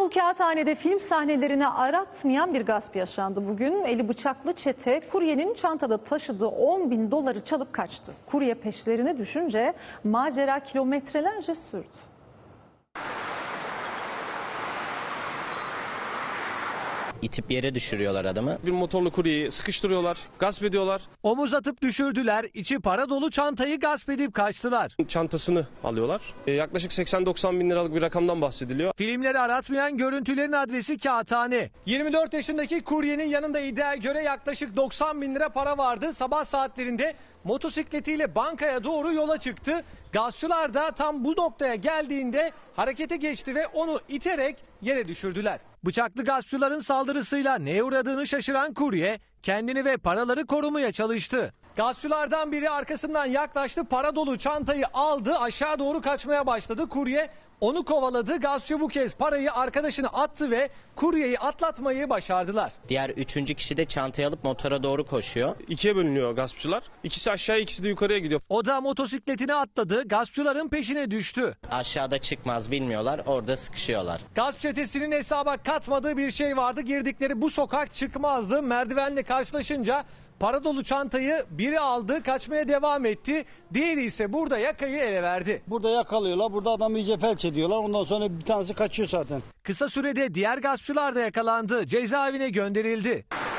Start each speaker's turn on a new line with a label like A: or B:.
A: İstanbul Kağıthane'de film sahnelerini aratmayan bir gasp yaşandı bugün. Eli bıçaklı çete kuryenin çantada taşıdığı 10.000 doları çalıp kaçtı. Kurye peşlerine düşünce macera kilometrelerce sürdü.
B: İtip yere düşürüyorlar adamı.
C: Bir motorlu kuryeyi sıkıştırıyorlar, gasp ediyorlar.
D: Omuz atıp düşürdüler, içi para dolu çantayı gasp edip kaçtılar.
C: Çantasını alıyorlar. Yaklaşık 80-90 bin liralık bir rakamdan bahsediliyor.
D: Filmleri aratmayan görüntülerin adresi Kağıthane. 24 yaşındaki kuryenin yanında iddiaya göre yaklaşık 90 bin lira para vardı. Sabah saatlerinde motosikletiyle bankaya doğru yola çıktı. Gaspçılar da tam bu noktaya geldiğinde harekete geçti ve onu iterek yere düşürdüler. Bıçaklı gaspçıların saldırısıyla neye uğradığını şaşıran kurye kendini ve paraları korumaya çalıştı. Gaspçılardan biri arkasından yaklaştı, para dolu çantayı aldı, aşağı doğru kaçmaya başladı. Kurye onu kovaladı. Gaspçı bu kez parayı arkadaşına attı ve kuryeyi atlatmayı başardılar.
B: Diğer üçüncü kişi de çantayı alıp motora doğru koşuyor.
C: İkiye bölünüyor gaspçılar. İkisi aşağıya, ikisi de yukarıya gidiyor.
D: O da motosikletine atladı, gaspçıların peşine düştü.
B: Aşağıda çıkmaz bilmiyorlar, orada sıkışıyorlar.
D: Gasp çetesinin hesaba katmadığı bir şey vardı. Girdikleri bu sokak çıkmazdı. Merdivenle karşılaşınca para dolu çantayı biri aldı, kaçmaya devam etti. Diğeri ise burada yakayı ele verdi.
E: Burada yakalıyorlar. Burada adamı iyice felç ediyorlar. Ondan sonra bir tanesi kaçıyor zaten.
D: Kısa sürede diğer gaspçılar da yakalandı. Cezaevine gönderildi.